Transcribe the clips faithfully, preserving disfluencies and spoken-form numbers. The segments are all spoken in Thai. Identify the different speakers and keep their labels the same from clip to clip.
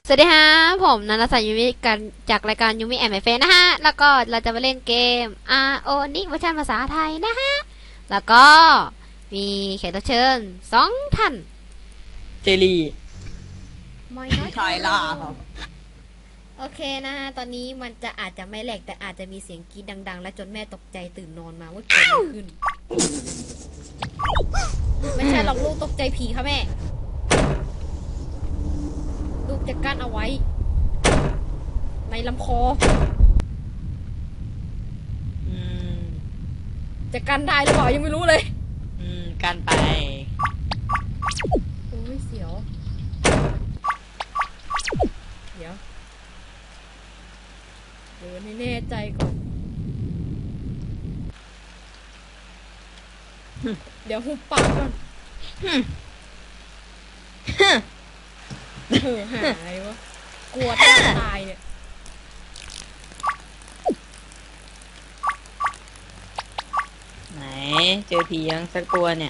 Speaker 1: สวัสดีฮะผมนันทศักดิ์ยูมิกันจากรายการยูมิแอนด์ไมเฟนนะฮะแล้วก็เราจะมาเล่นเกม อาร์ โอ นี่เวอร์ชันภาษาไทยนะฮะแล้วก็มีแขกรับเชิญสองท่าน
Speaker 2: เจลี
Speaker 1: ไม่น้อย
Speaker 2: ชายล่าครับ
Speaker 1: โอเคนะฮะตอนนี้มันจะอาจจะไม่แหลกแต่อาจจะมีเสียงกรี๊ดดังๆและจนแม่ตกใจตื่นนอนมาว่าเกิดอะไรขึ้นไม่ใช่หรอกลูกตกใจผีค่ะแม่ลูกจะกั้นเอาไว้ในลำคอ
Speaker 2: อืม
Speaker 1: จะกันได้หรือเปล่ายังไม่รู้เลย
Speaker 2: อืมกันไป
Speaker 1: โอ้ยเสียวเดี๋ยวเดินให้แน่ใจก่อนเดี๋ยวหุบปากก่อนเออหายวะกลัวตายเนี่ย
Speaker 2: ไหนเจอผียังสักตัวเนี่ย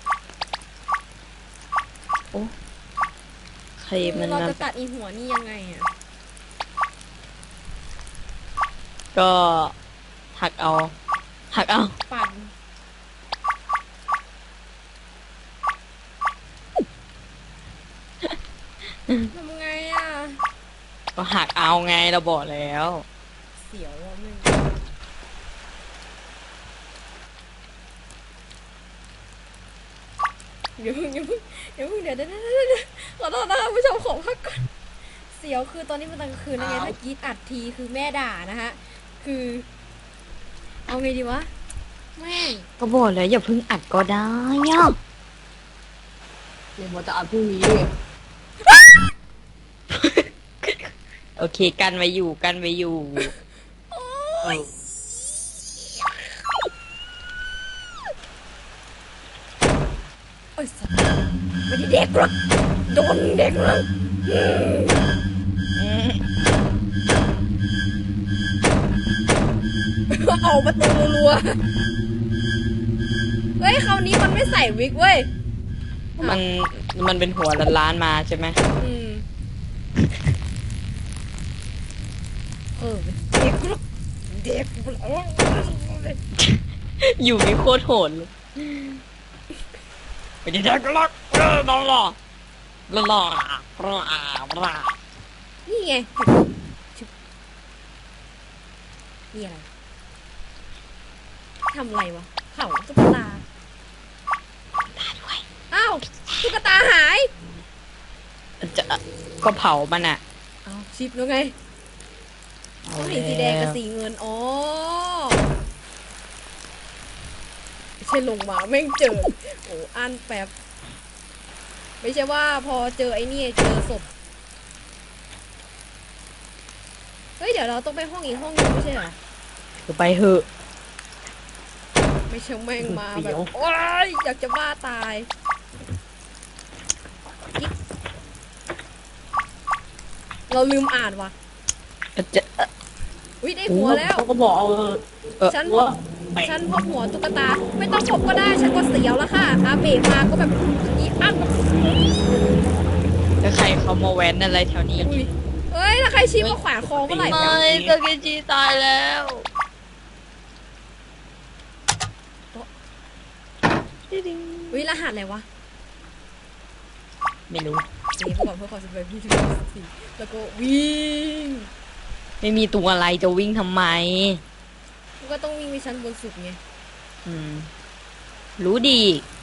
Speaker 2: โอ้ใครมัน
Speaker 1: เราจะตัดอีหัวนี่ยังไงอ่ะ
Speaker 2: ก็หักเอาหักเอา
Speaker 1: ปั่นทำไงอ่ะ
Speaker 2: ก็หักเอาไงเราบอกแล้ว
Speaker 1: เสียวอ่ะมึงเดี๋ยวเดี๋ยวเดี๋ยวเดี๋ยวเดี๋ยวเดี๋ยวขอโทษนะคะผู้ชมขอพักก่อนเสียวคือตอนนี้มันตอนกลางคืนนะไงถ้ากรีดอัดทีคือแม่ด่านะฮะคือเอาไงดีวะแม่
Speaker 2: ก็บอกแล้วอย่าเพิ่งอัดก็ได้ย่ะ
Speaker 3: เดี๋ยวมันจะอัดพรุ่งนี้
Speaker 2: โอเคกันไว้อยู่กันไว้อยู่
Speaker 1: โอ้ยโอ้ยสัตว์ไม่ได้เด็กหรอกโดนเด็กหรอกออกประตูรัวเฮ้ยคราวนี้มันไม่ใส่วิกเว้ย
Speaker 2: มันมันเป็นหัวล้านๆมาใช่ไหม
Speaker 1: อืมเออเด็กหรอกเด็ก
Speaker 2: อยู่มีโคตรโหดเลยไม่ได้เด็กหรอกเออหล่อหล่อหล่อหล่อหล่อ
Speaker 1: นี่ไงนี่อะไรทำอะไรวะเผาตุ๊กตา
Speaker 2: ตาด้วย
Speaker 1: อ้าวตุ๊กตาหาย
Speaker 2: จะก็เผามันอ่ะ
Speaker 1: เอาชิปแล้วไงเขาเห็นสีแดงกับสีเงินอ๋อไม่ใช่ลงมาแม่งเจอโอ้อันแป๊บไม่ใช่ว่าพอเจอไอ้นี่เจอศพเฮ้ยเดี๋ยวเราต้องไปห้องอีกห้องนึงไม่ใช่เหรอ
Speaker 2: ก็ไปเหอะ
Speaker 1: ไม่ใช่แม่งมาแบบโอ๊ยอยากจะบ้าตายเราลืมอ่านว่ะ
Speaker 2: จะ
Speaker 1: อุ้ยได้หัวแล้ว
Speaker 3: เขาก็บอกเอา
Speaker 1: ฉันฉันพบหัวตุ๊กตาไม่ต้องพบก็ได้ฉันก็เสียวแล้วค่ะอาเบะมาก็แบบอีอัน
Speaker 2: แล้วใครเขามาแว้นอะไรแถวนี้
Speaker 1: เฮ้ยถ้าใครชี้มาแขวนคอก็ไหล
Speaker 2: ไม่ตะเกจีตายแล้ว
Speaker 1: วิรหัสอะไรวะ
Speaker 2: ไม่รู้
Speaker 1: นี่เขาบอกเพื่อความสบายพี่ถึงสี่แล้วก็วิ่ง
Speaker 2: ไม่มีตัวอะไรจะวิ่งทำไม
Speaker 1: ก็ต้องวิ่งไปชั้นบนสุดไง
Speaker 2: อืมรู้ดี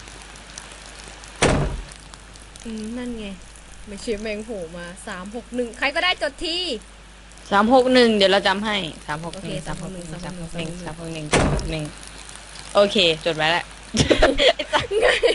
Speaker 1: อืมนั่นไงไม่เชื่อแมงโผล่มาสามหกหนึ่งใครก็ได้จดที่
Speaker 2: สามหกหนึ่งเดี๋ยวเราจำให้สามหกหนึ่งสามหกหนึ่งสามหกหนึ่งสามหกหนึ่งสามหกหนึ่งโอเคจดไว้แล้ว
Speaker 1: ง่าย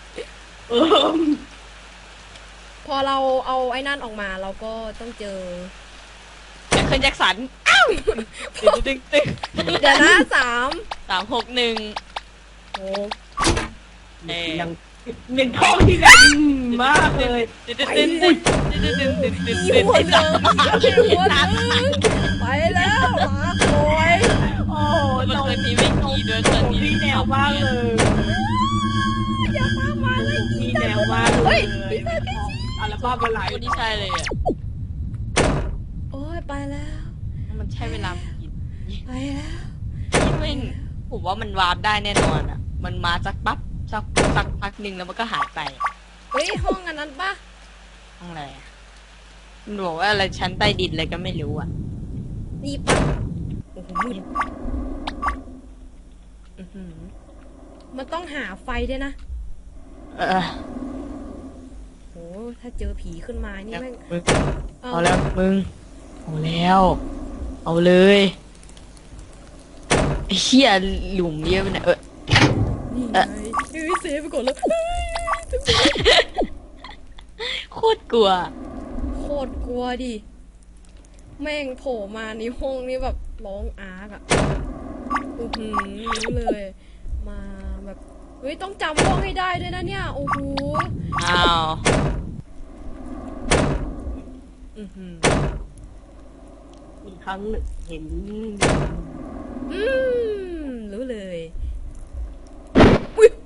Speaker 1: พอเราเอาไอ้นั่นออกมาเราก็ต้องเจอ
Speaker 2: แจ็คเคิลแจ็คสันอ้าวตึ๊งตึ๊ง
Speaker 1: เดี๋ยวนะสาม
Speaker 2: สามหกหนึ่ง
Speaker 1: โอ้
Speaker 3: ยังยังท้องที่แรงมากเลย
Speaker 1: ไปเลยหัวเดิมหัวเดิมไปแล้วหมาโอย
Speaker 3: โอ้
Speaker 2: มันเคยมีวิ่งขี่ด้วยเคยมี
Speaker 3: วิ่งแนวมากเลย
Speaker 1: อย่ามามาเลย
Speaker 3: วิ่งแนวมากเลยอัลบั้มอะไร
Speaker 2: คนที่ใช่เลยอ่ะ
Speaker 1: ยไปแล้ว
Speaker 2: มันใช้เวลากิน
Speaker 1: ไปแล้ว
Speaker 2: ที่ไม่ผมว่ามันวาร์ปได้แน่นอนอ่ะ มันมาสักปั๊บสักสักพักหนึ่งแล้วมันก็หายไป
Speaker 1: เฮ้ยห้องอันนั้นปะ
Speaker 2: ห้องอะไรอะมันบอกว่าอะไรชั้นใต้ดินอะไรก็ไม่รู้อ่ะ
Speaker 1: นี่ปะโอ้โหมืด
Speaker 2: อื้อหือ
Speaker 1: มันต้องหาไฟด้วยนะ
Speaker 2: เออ
Speaker 1: โอ้ถ้าเจอผีขึ้นมานี่แม่ง
Speaker 2: มึงเอาแล้วมึงเอาแล้ว เอาเลยไอ้เหี้ยหลุมเยอะไปหน่อยเออ
Speaker 1: นี่ไงเฮ้ยเซฟไปก่อนแล้วเฮ้ย
Speaker 2: โคตรกลัว
Speaker 1: โคตรกลัวดิ แม่งโผล่มาในห้องนี้แบบร้องอาร์กอะอือหือรู้เลย มาแบบ เฮ้ยต้องจำห้องให้ได้ด้วยนะเนี่ย โอ้โห
Speaker 2: อ้าว
Speaker 1: อือหือ
Speaker 3: อีกครั้งหนึ่งเห็น
Speaker 1: อืมรู้เลย อุ้ย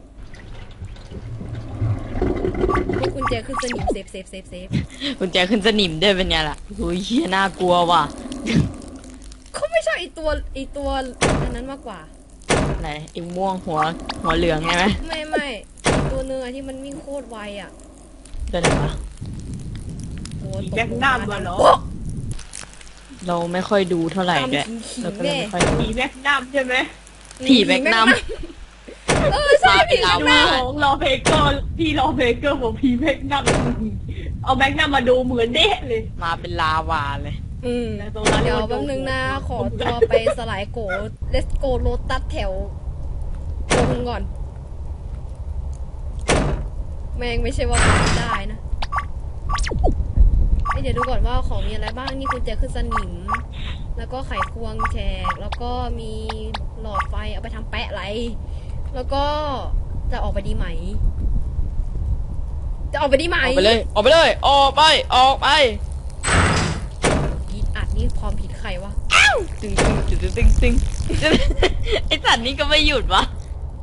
Speaker 1: พวกกุญแจขึ้นสนิมเซฟเซฟเซฟเซฟ
Speaker 2: กุญแจขึ้นสนิมด้วยเป็นไงล่ะโอ้ยเหี้ยน่ากลัวว่ะ
Speaker 1: เขาไม่ใช่ไอตัวไอตัวอันนั้นมากกว่า
Speaker 2: อะไรไอ้ม่วงหัวหัวเหลืองใช่ไหม
Speaker 1: ไม่ไม่ไอ้ตัวเนื้อะที่มันวิ่งโคตรไวอ่ะ
Speaker 2: ตัวไหนวะ
Speaker 1: โอ้
Speaker 3: อี
Speaker 1: ตก
Speaker 3: แบ็ก
Speaker 1: ลง
Speaker 3: นั
Speaker 1: มาม
Speaker 3: มาเหรอ
Speaker 1: โอ๊ะ
Speaker 2: เราไม่ค่อยดูเท่าไหร่
Speaker 1: ตาม
Speaker 2: ด้วย
Speaker 1: ขิงขิ
Speaker 2: เรา
Speaker 1: ง
Speaker 2: ก็เลย
Speaker 1: แน่
Speaker 2: ไม่ค่อยดู
Speaker 3: ผีแบ็กนัมใช่ไหม
Speaker 2: ผีแบกน้
Speaker 1: เออใช่
Speaker 2: มาเป็
Speaker 1: ผี
Speaker 2: น
Speaker 1: แบ
Speaker 2: เรา
Speaker 1: ก
Speaker 2: มา
Speaker 1: น้
Speaker 3: ของรอเพเกอร์พี่รอเพเกอร์บอกผีแบ็กนัมเอาแบ็กนัมมาดูเหมือนเด้เลย
Speaker 2: มาเป็นลาวาเลย
Speaker 1: ำอืม
Speaker 3: แต่ตรงนั้น
Speaker 1: เดี๋ยว
Speaker 3: มัน
Speaker 1: แป๊บนึงนะ ขอ
Speaker 3: ดู
Speaker 1: ตัวไปสลายโกเลสโกโลตัสแถวตรงก่อน แม่งไม่ใช่ว่าไม่ได้นะเอ้ยเดี๋ยวดูก่อนว่าของมีอะไรบ้าง นี่กุญแจขึ้นสนิม แล้วก็ไขควงแฉก แล้วก็มีหลอดไฟเอาไปทำแปะไร แล้วก็จะออกไปดีไหม จะออกไปดีไหม
Speaker 2: ออกไปเลย ออกไปเลย ออกไป ออกไป
Speaker 1: ผิดอัดนี่ความผิดใครวะ
Speaker 2: ตึงตึงตึงตึงตึงตึงไอสัตว์นี่ก็ไม่หยุดวะ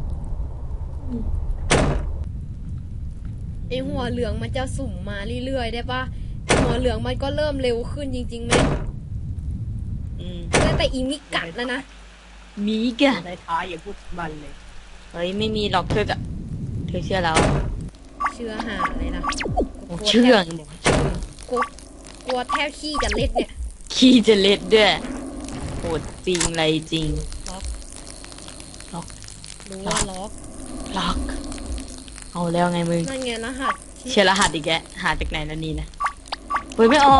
Speaker 1: ไอหัวเหลืองมันจะสุ่มมาเรื่อยๆได้ปะหัวเหลืองมันก็เริ่มเร็วขึ้นจริงๆไหม
Speaker 2: อืม
Speaker 1: ตั้งแต่อีมิกัดแล้วนะ
Speaker 2: มีกะ
Speaker 3: ในท้ายอย่าพูดมันเลย
Speaker 2: เฮ้ยไม่มีหรอกเธอจะเธอเชื่อแล้ว
Speaker 1: เชื่อหาเลยนะ
Speaker 2: โอ้เชื่อ
Speaker 1: กลัวกลัวแทบขี้จะเล็ดเนี่ย
Speaker 2: ขี้จะเล็ดด้วยโหดจริงอะไรจริง
Speaker 1: ล็อก
Speaker 2: ล็อก
Speaker 1: รู้ว่าล็อก
Speaker 2: ล็อก เอาแล้วไงมึง
Speaker 1: นั่นไงรหัสที่
Speaker 2: เชื่อรหัสอีกแกหาจากไหนแล้วนี่นะเฮ้ยไม่ออก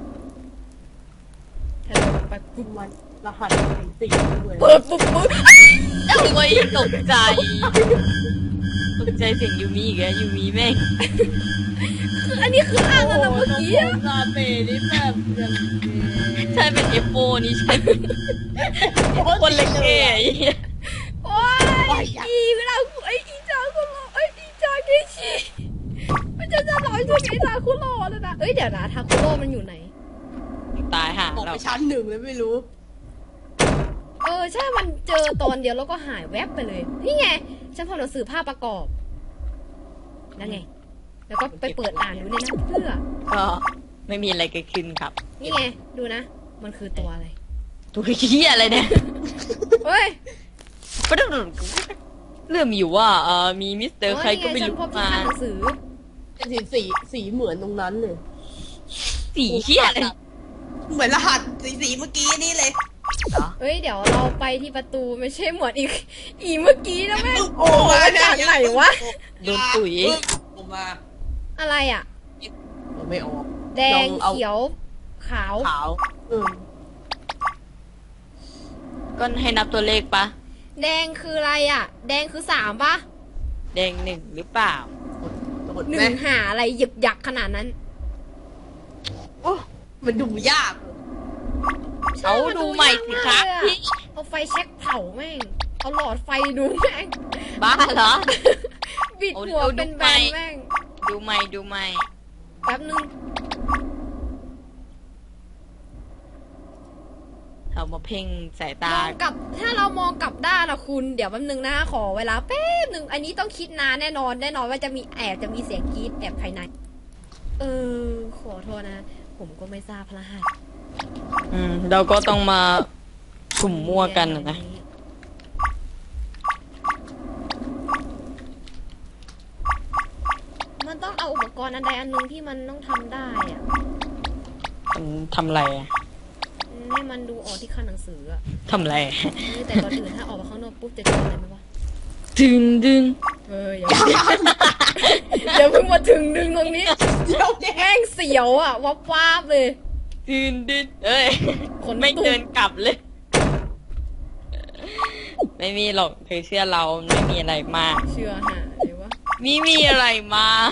Speaker 1: แทนไปปุ๊บ
Speaker 3: มันรหัสสี่ด้วย
Speaker 1: เปิดปุ๊บปุ๊บ
Speaker 2: โอ้ยตกใจ ตกใจเสียงยูมิอีกแล้วยูมิแม่ง
Speaker 1: คืออันนี้คืออ่างแล้วนะเมื่อกี้อะ
Speaker 3: ซาเปนี่แบบอย่าง
Speaker 2: ใช่เป็นเอฟโฟนี่ใช่คนเล็กเอ๋ย
Speaker 1: โอ้ยอีเวลาไออีจาคุณหล่อไออีจาเกชิมันจะจะหล่อจนไอจาคุณหล่อแล้วนะเอ้ยเดี๋ยวนะทาคุโร่มันอยู่ไหน
Speaker 2: ตายห่า
Speaker 3: บอก
Speaker 2: เรา
Speaker 3: ไปชั้นหนึ่งเลยไม่รู้
Speaker 1: เออใช่ มันเจอตอนเดียวแล้วก็หายแวบไปเลย นี่ไง ฉันพอหนังสือภาพประกอบ นั่นไง แล้วก็ไปเปิดอ่านดูในนั้นเพื่อ
Speaker 2: ก็ไม่มีอะไรเกิดขึ้นครับ
Speaker 1: นี่ไง ดูนะ มันคือตัวอะไร
Speaker 2: ตัวเหี้ยอะไรเนี่ย
Speaker 1: เฮ้ย
Speaker 2: ก็ต้องเรื่องมีอยู่ว่าเออมีมิสเตอร์ใครก็ไม่
Speaker 1: ฉัน
Speaker 2: รู้
Speaker 1: พบที่
Speaker 2: มา
Speaker 1: ข้างหนังสือ
Speaker 3: เป็นสีสีสีเหมือนตรงนั้นเลย
Speaker 2: สีเหี้ยอะไร
Speaker 3: เหมือนรหัสสีสีเมื่อกี้นี่เลย
Speaker 2: เหรอ
Speaker 1: เฮ้ย เดี๋ยวเราไปที่ประตูไม่ใช่หมวดอีก อีเมื่อกี้นะแม่ง
Speaker 3: โอ้
Speaker 1: มาจากไหนวะ
Speaker 2: โดนตุ๋ย
Speaker 3: ผมมา
Speaker 1: อะไรอ่ะ
Speaker 3: ไม่ออก
Speaker 1: แดง
Speaker 3: ลองเอา
Speaker 1: เขียว ขาว
Speaker 3: ขาวเออ
Speaker 2: ก็ให้นับตัวเลขปะ
Speaker 1: แดงคืออะไรอ่ะ แดงคือสามปะ
Speaker 2: แดงหนึ่งหรือเปล่า
Speaker 3: กด
Speaker 1: หนึ่
Speaker 3: ไหม
Speaker 1: งหาอะไรหยึกหยักขนาดนั้น
Speaker 3: โอ้มันดูยาก
Speaker 2: เอาดูใหม่สิครับพี่
Speaker 1: เอาไฟแช็กเผาแม่ง เอาหลอดไฟดูแม่ง
Speaker 2: บ้าเหรอ
Speaker 1: บิดหัว
Speaker 2: เอาดู
Speaker 1: เป็นแบ
Speaker 2: ไฟ
Speaker 1: นแม่ง
Speaker 2: ดูใหม่ดูใหม่
Speaker 1: แป๊บนึง
Speaker 2: เอามาเพ่งสาย
Speaker 1: ม
Speaker 2: ตา
Speaker 1: องกลับ ถ้าเรามองกลับด้านนะคุณ เดี๋ยวแป๊บนึงนะ ขอเวลาแป๊บนึง อันนี้ต้องคิดนานแน่นอน แน่นอนว่าจะมีแอบจะมีเสียงกรีดแอบภายใน เออ ขอโทษนะ ผมก็ไม่ทราบพระหัส
Speaker 2: อืมเราก็ต้องมาสุ่มมั่วกันน่ะนะ
Speaker 1: มันต้องเอาอุปกรณ์อันใดอันหนึ่งที่มันต้องทำได้อะ
Speaker 2: มันทำอะไรอะ
Speaker 1: ให้มันดูออกที่คันหนังสืออะ
Speaker 2: ทำอะไร
Speaker 1: นี่แต่ก่อนอื่นถ้าออกมาข้างนอกปุ๊บจะเจออะไรไหมวะ
Speaker 2: ดึงดึง
Speaker 1: เอออย่าอย่าเพิ่งมาถึงดึงตรงนี้
Speaker 3: เดี๋ยวเด็ก
Speaker 1: แม่งเสียวอ่ะวับวาบเลย
Speaker 2: ดึงดึงเอ้ย
Speaker 1: ขน
Speaker 2: ไม่
Speaker 1: ตุ่ม
Speaker 2: เดินกลับเลย ไม่มีหรอกเธอเชื่อเราไม่มีอะไรมาก
Speaker 1: เชื่อหาเลยวะ
Speaker 2: มีมีอะไรมา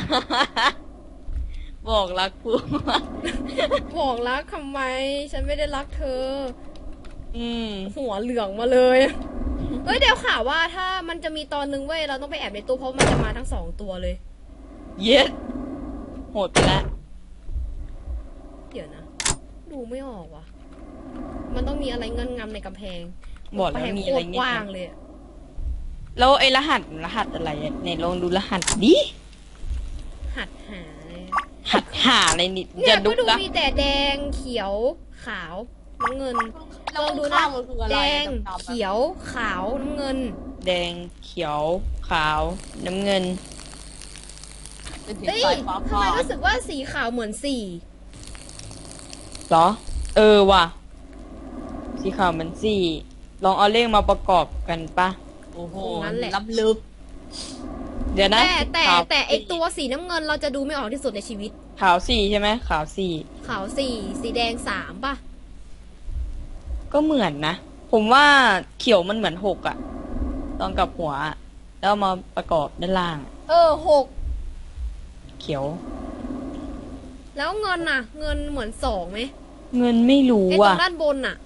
Speaker 2: บอกรักกู
Speaker 1: บอกรักทำไม ฉันไม่ได้รักเธอ
Speaker 2: อืม
Speaker 1: หัวเหลืองมาเลย เฮ้ยเดี๋ยวข่าวว่าถ้ามันจะมีตอนนึงเว้ยเราต้องไปแอบในตู้เพราะมันจะมาทั้งสองตัวเลย
Speaker 2: เย็ดโหดไปแล้ว
Speaker 1: เดี๋ยวนะ ดูไม่ออกว่ะ มันต้องมีอะไรเงินงำในกำแพง
Speaker 2: บอกแล้ว
Speaker 1: กำพง
Speaker 2: มี
Speaker 1: โค
Speaker 2: อะไร
Speaker 1: ตร
Speaker 2: เงี้
Speaker 1: กว้าย งเลยอะ
Speaker 2: แล้วไอ้รหัสรหัสอะไรอะไหนลองดูรหัสดิ
Speaker 1: หัดหาเลย
Speaker 2: หัดหาอะไรนิด
Speaker 1: เนี่
Speaker 2: จะ
Speaker 1: ย
Speaker 2: ดู
Speaker 1: ก็ดู
Speaker 2: ละ
Speaker 1: มีแต่แดงเขียวขาวน้ำเงิน
Speaker 3: เรา
Speaker 1: ลองดู
Speaker 3: ดู
Speaker 1: นะ
Speaker 3: นะมันคืออะไร
Speaker 1: แดง
Speaker 3: ดำๆอะ
Speaker 1: เขียวขาวน้ำเงิน
Speaker 2: แดงเขียวขาวน้ำเงิน
Speaker 3: เป็นสี
Speaker 1: เฮ้ย
Speaker 3: สายฟ้า
Speaker 1: ทำไมรู้สึกว่าสีขาวเหมือนสี่
Speaker 2: เหรอ เออว่ะ สีขาวมันสี่ลองเอาเลขมาประกอบกันปะ
Speaker 3: โอ้โหล้ำลึก
Speaker 2: เดี๋ยวนะ
Speaker 1: แต่แต่
Speaker 2: ขาว
Speaker 1: แต่ไอตัวสีน้ำเงินเราจะดูไม่ออกที่สุดในชีวิต
Speaker 2: ขาวสี่ใช่ไหมขาวสี่
Speaker 1: ขาวสี่สีแดงสามป่ะ
Speaker 2: ก็เหมือนนะ ผมว่าเขียวมันเหมือนหกอะตอนกับหัวอะแล้วเอามาประกอบด้านล่าง
Speaker 1: เออหก
Speaker 2: เขียว
Speaker 1: แล้วเงินน่ะ เงินเหมือนสองไหม
Speaker 2: เงินไม่รู้
Speaker 1: ไอตร
Speaker 2: อะ
Speaker 1: งด้านบนน่ะ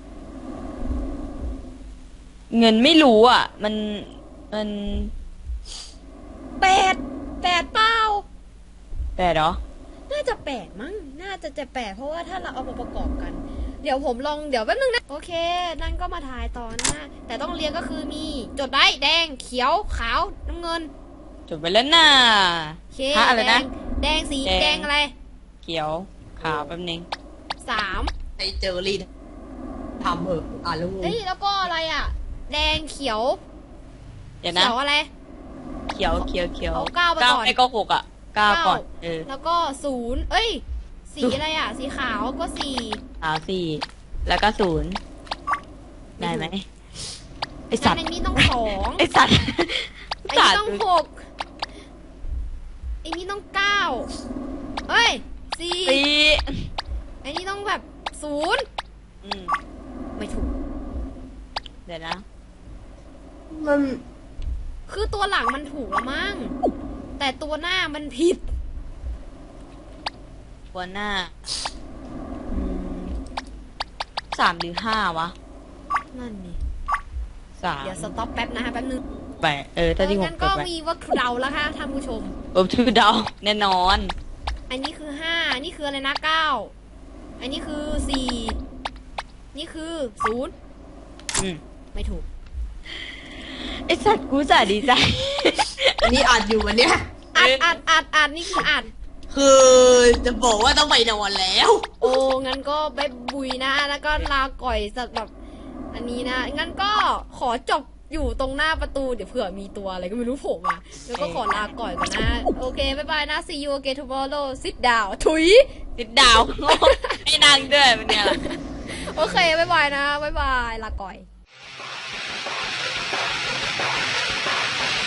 Speaker 2: เงินไม่รู้อะมันมัน
Speaker 1: แปดแปดเป้า
Speaker 2: แต่เหรอ
Speaker 1: น่าจะแปดมั้ง น่าจะจะแปดเพราะว่าถ้าเราเอามาประกอบกัน เดี๋ยวผมลองเดี๋ยวแป๊บนึงนะ โอเค นั่นก็มาถ่ายตอนหน้า แต่ต้องเรียงก็คือมีจดได้แดงเขียวขาวน้ำเงิน
Speaker 2: จบไปแล้วน่ะ
Speaker 1: โอเค
Speaker 2: ฮะอะไร
Speaker 1: แด
Speaker 2: นะ
Speaker 1: งแดงสี
Speaker 2: แดง
Speaker 1: แดงอะไร
Speaker 2: เขียวขาวแป๊บนึง
Speaker 1: สาม
Speaker 3: ไอเจอรีดทำเหอะอ่านแล้วงง
Speaker 1: เอ้ยแล้วก็อะไรอ่ะ แดงเขียว
Speaker 2: เดี๋ยวนะ
Speaker 1: เขียวอะไร
Speaker 2: เขียวเขียวเขียว
Speaker 1: เอาเก้ามาก่อน
Speaker 2: ไม่ก็หกอะเก้าก่อน เออ
Speaker 1: แล้วก็ศูนย์เอ้ย สีอะไรอ่ะ สีขาวก็สี่
Speaker 2: ขาวสี่แล้วก็ศูนย์ได้ไหมไอสั
Speaker 1: อั
Speaker 2: ต
Speaker 1: น
Speaker 2: ว์
Speaker 1: นี้ต้องสอง
Speaker 2: ไอสัตว์
Speaker 1: ไอ้นี่ต้องหกไอ้นี่ต้องเก้าเอ้ยสี่
Speaker 2: สี่
Speaker 1: ไอ้นี่ต้องแบบศูนย์
Speaker 2: อืม
Speaker 1: ไม่ถูก
Speaker 2: เดี๋ยวนะ
Speaker 3: มัน
Speaker 1: คือตัวหลังมันถูกแล้วมั้ง แต่ตัวหน้ามันผิด
Speaker 2: หัวหน้าอืมสามหรือห้าวะ
Speaker 1: นั่นนี่
Speaker 2: สาม
Speaker 1: เดี๋ยวสต็อปแป๊บนะฮะแป๊บนึง
Speaker 2: แปดเออถ้าที่ผม
Speaker 1: งั้น
Speaker 2: ก
Speaker 1: ก็
Speaker 2: ดไป
Speaker 1: มีวัตถุเดาแล้วค่ะท่านผู้ชม
Speaker 2: เออชื่อเดาแน่นอน
Speaker 1: อันนี้คือห้าอันนี้คืออะไรนะเก้าอันนี้คือสี่นี่คือศูนย์
Speaker 2: อืม
Speaker 1: ไม่ถูก
Speaker 2: ไอสัตว์กูจะดีใจ
Speaker 3: อันนี้อ่านอยู่วันเนี้ย
Speaker 1: อัดอัดอัดอัดนี่คืออัด
Speaker 3: คือจะบอกว่าต้องไปนอนแล้ว
Speaker 1: โอ้ งั้นก็ไปบุยนะ แล้วก็ลาก่อยสัตว์แบบ อันนี้นะ งั้นก็ขอจบอยู่ตรงหน้าประตู เดี๋ยวเผื่อมีตัวอะไรก็ไม่รู้โผล่มา แล้วก็ขอลาก่อยก่อนนะ โอเค บ๊ายบายนะ see you again tomorrow sit down ถุย
Speaker 2: ติดดาว ไม่นั่งด้วยมันเนี่ยล่ะ
Speaker 1: โอเค บ๊ายบายนะ บ๊ายบาย ลาก่อย